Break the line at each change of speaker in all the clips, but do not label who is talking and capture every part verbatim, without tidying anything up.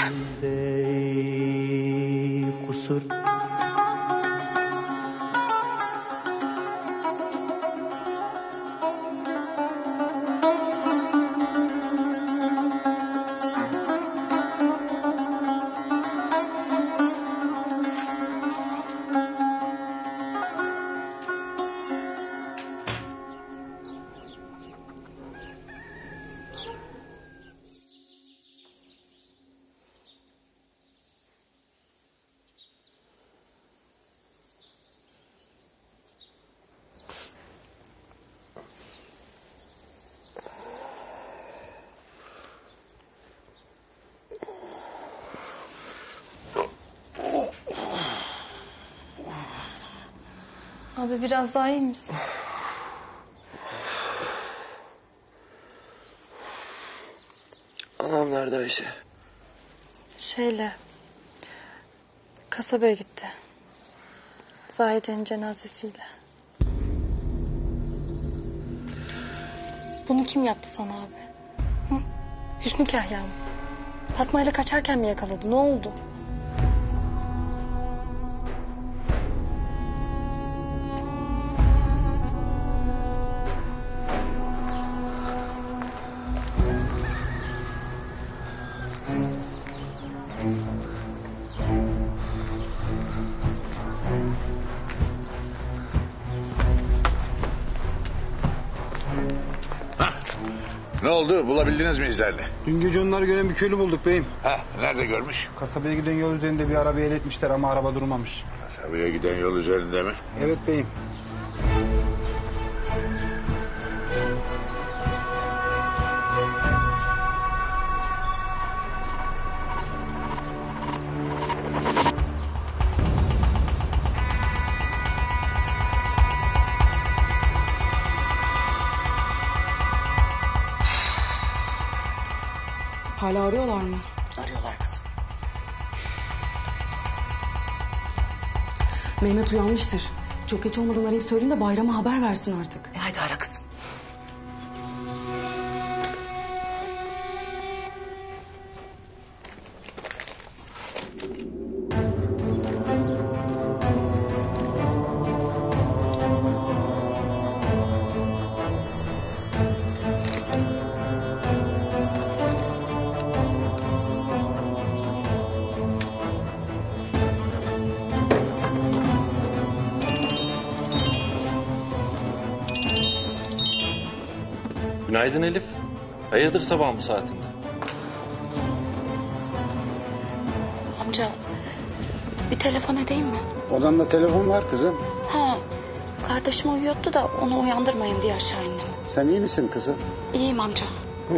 kusur.
Abi biraz daha iyi misin?
Anam nerede Ayşe?
Şeyle... kasabaya gitti. Zahide'nin cenazesiyle. Bunu kim yaptı sana abi? Hı? Hüsnü Kahya mı? Fatma ile kaçarken mi yakaladı? Ne oldu?
Ne oldu? Bulabildiniz mi izlerini?
Dün gece onları gören bir köylü bulduk beyim.
Ha, nerede görmüş?
Kasabaya giden yol üzerinde bir arabayı el etmişler ama araba durmamış.
Kasabaya giden yol üzerinde mi?
Evet beyim.
Hala arıyorlar mı?
Arıyorlar kızım.
Mehmet uyanmıştır. Çok geç olmadan arayıp söyleyin de Bayram'a haber versin artık.
E hadi ara kızım.
Günaydın Elif. Hayırdır sabah bu saatinde?
Amca bir telefon edeyim mi?
Odanda telefon var kızım.
Ha, kardeşim uyuyordu da onu uyandırmayayım diye aşağı indim.
Sen iyi misin kızım?
İyiyim amca.
Buyur.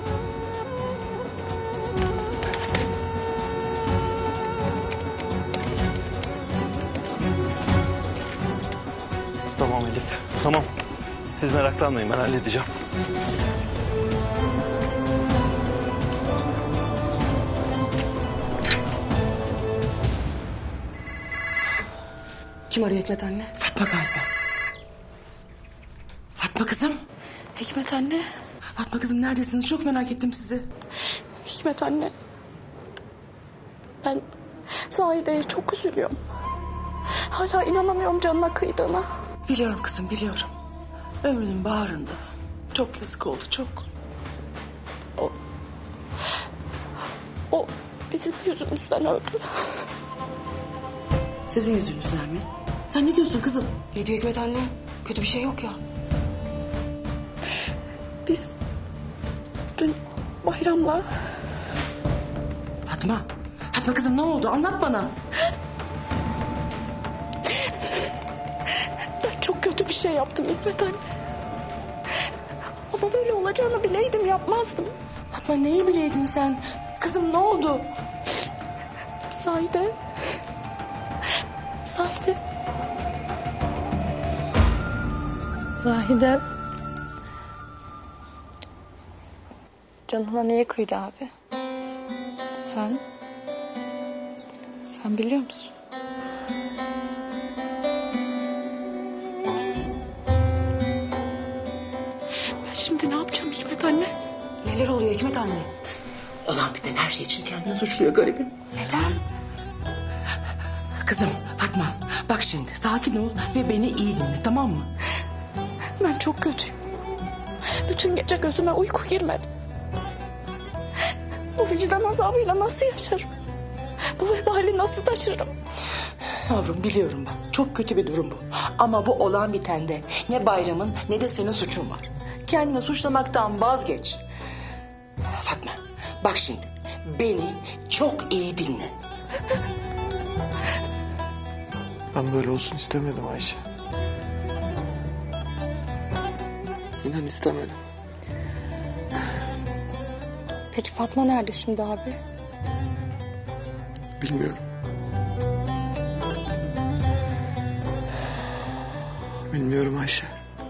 Tamam Elif. Tamam. Siz meraklanmayın, ben halledeceğim.
Kim arıyor Hikmet anne?
Fatma galiba. Fatma kızım.
Hikmet anne.
Fatma kızım neredesiniz? Çok merak ettim sizi.
Hikmet anne. Ben Zahide'ye çok üzülüyorum. Hala inanamıyorum canına kıydığına.
Biliyorum kızım biliyorum. Ömrünün baharında. Çok yazık oldu çok.
O, o bizim yüzümüzden öldü.
Sizin yüzünüzden mi? Sen ne diyorsun kızım?
Ne diyor Hikmet anne? Kötü bir şey yok ya.
Biz dün Bayram'la...
Fatma. Fatma kızım ne oldu? Anlat bana.
Ben çok kötü bir şey yaptım Hikmet anne. Ama böyle olacağını bileydim yapmazdım.
Fatma neyi bileydin sen? Kızım ne oldu?
Zahide. Zahide.
Zahide... canına niye kıydı abi? Sen... sen biliyor musun?
Ben şimdi ne yapacağım Hikmet anne?
Neler oluyor Hikmet anne?
Olan biten her şey için kendini suçluyor garibim.
Neden?
Kızım Fatma bak şimdi sakin ol ve beni iyi dinle tamam mı?
Ben çok kötüyüm. Bütün gece gözüme uyku girmedi. Bu vicdan azabıyla nasıl yaşarım? Bu vebali nasıl taşırım?
Yavrum biliyorum ben çok kötü bir durum bu. Ama bu olan bitende ne Bayram'ın ne de senin suçun var. Kendini suçlamaktan vazgeç. Fatma bak şimdi beni çok iyi dinle.
Ben böyle olsun istemedim Ayşe. İnan istemedim.
Peki Fatma nerede şimdi abi?
Bilmiyorum. Bilmiyorum Ayşe.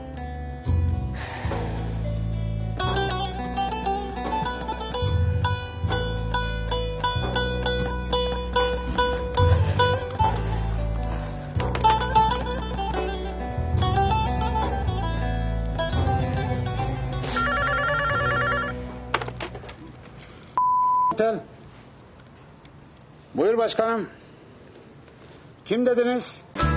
Tel. Buyur başkanım. Kim dediniz?